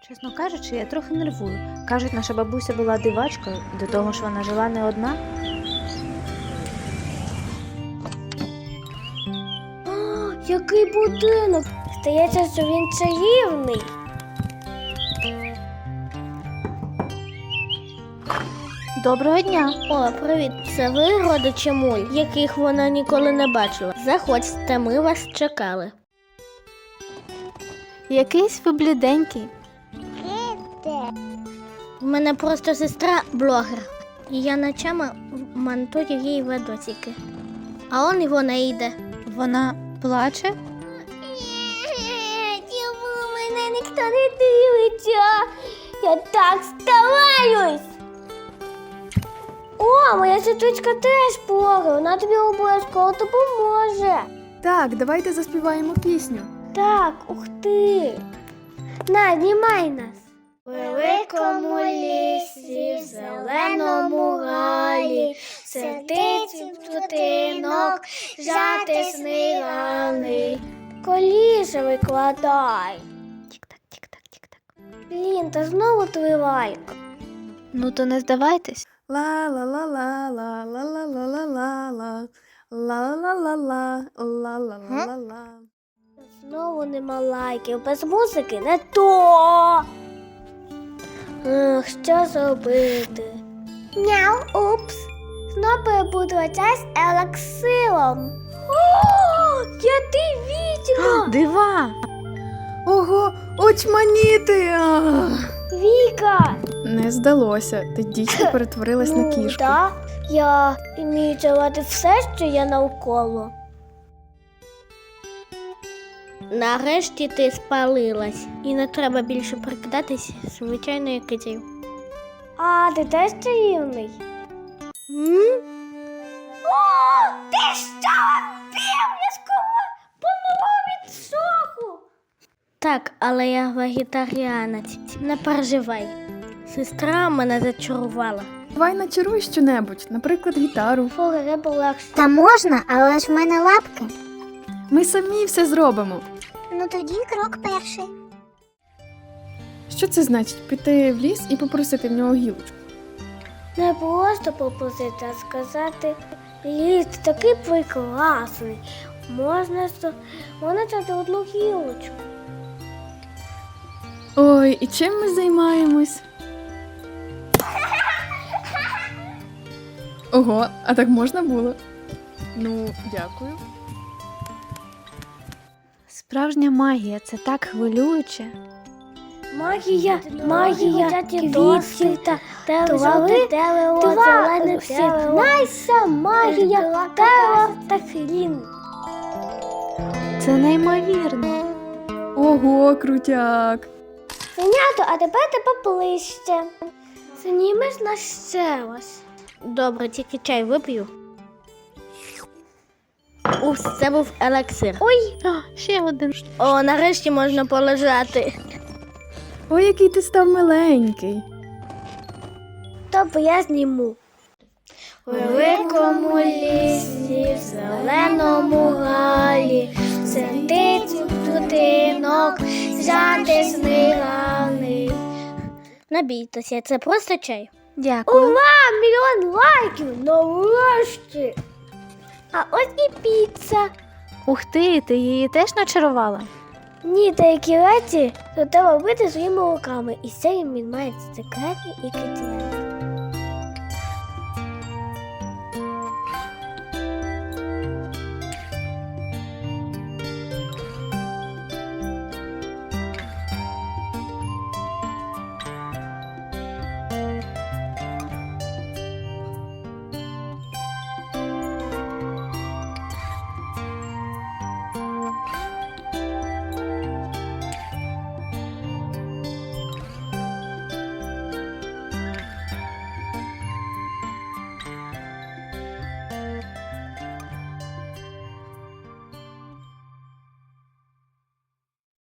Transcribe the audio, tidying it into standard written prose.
Чесно кажучи, я трохи нервую. Кажуть, наша бабуся була дивачкою, до того ж вона жила не одна. О, який будинок! Здається, що він чарівний. Доброго дня! О, привіт! Це ви родичі Муль, яких вона ніколи не бачила. Заходьте, ми вас чекали. Якийсь ви бліденький. У мене просто сестра блогер. І я ночами монтую їй відосики. А он і вона йде. Вона плаче? Чому мене ніхто не дивиться? Я так стараюсь. О, моя сестричка теж блогер. Вона тобі обов'язково допоможе. Так, давайте заспіваємо пісню. Так, ух ти. На, знімай нас. У великому лісі, в зеленому галі, сидить тутинок, жатисний галий. Коліше викладай. Тік-так, тік-так, тік-так. Блін, та знову твій лайк. Ну то не здавайтесь. Ла-ла-ла-ла-ла-ла-ла-ла-ла. Ла-ла-ла-ла-ла-ла-ла-ла. Знову нема лайків, без музики не то. Що зробити? Няу, упс. Знову перебудуватися з елексилом. О, я ти відьма! Дива! Ого, очманіти! Віка! Не здалося, ти дійсно перетворилась на кішку. Так, я вмію цілувати все, що є навколо. Нарешті ти спалилась. І не треба більше прикидатись звичайною китею. А, ти теж чарівний? О, ти що, вампір? Я скоро помру від шоку. Так, але я вегетаріанець. Не переживай. Сестра мене зачарувала. Давай начаруй щонебудь, наприклад, гітару. Треба легше. Та можна, але ж в мене лапки. Ми самі все зробимо. Ну тоді крок перший. Що це значить? Піти в ліс і попросити в нього гілочку? Не просто попросити, а сказати, ліс такий прекрасний. Можна взяти одну гілочку. Ой, і чим ми займаємось? Ого, а так можна було? Ну, дякую. Справжня магія, це так хвилююче. Магія квітів та телевизори, зелених сігнайся, магія тева та хрін. Це неймовірно. Ого, крутяк. Синято, а тепер поближче. Знімеш нас ще раз. Добре, тільки чай вип'ю. Упс, це був елексир. Ой, Ще один. о, нарешті можна полежати. Ой, який ти став миленький. Тобто я зніму. У великому лісі, в зеленому галі, сидить будинок, жатисний галий. Не бійтеся, це просто чай. Дякую. Ура! Мільйон лайків! Нарешті! А ось і піца. Ух ти її теж начарувала? Ні, деякі речі то треба робити своїми руками. І це він має секретний інгредієнт.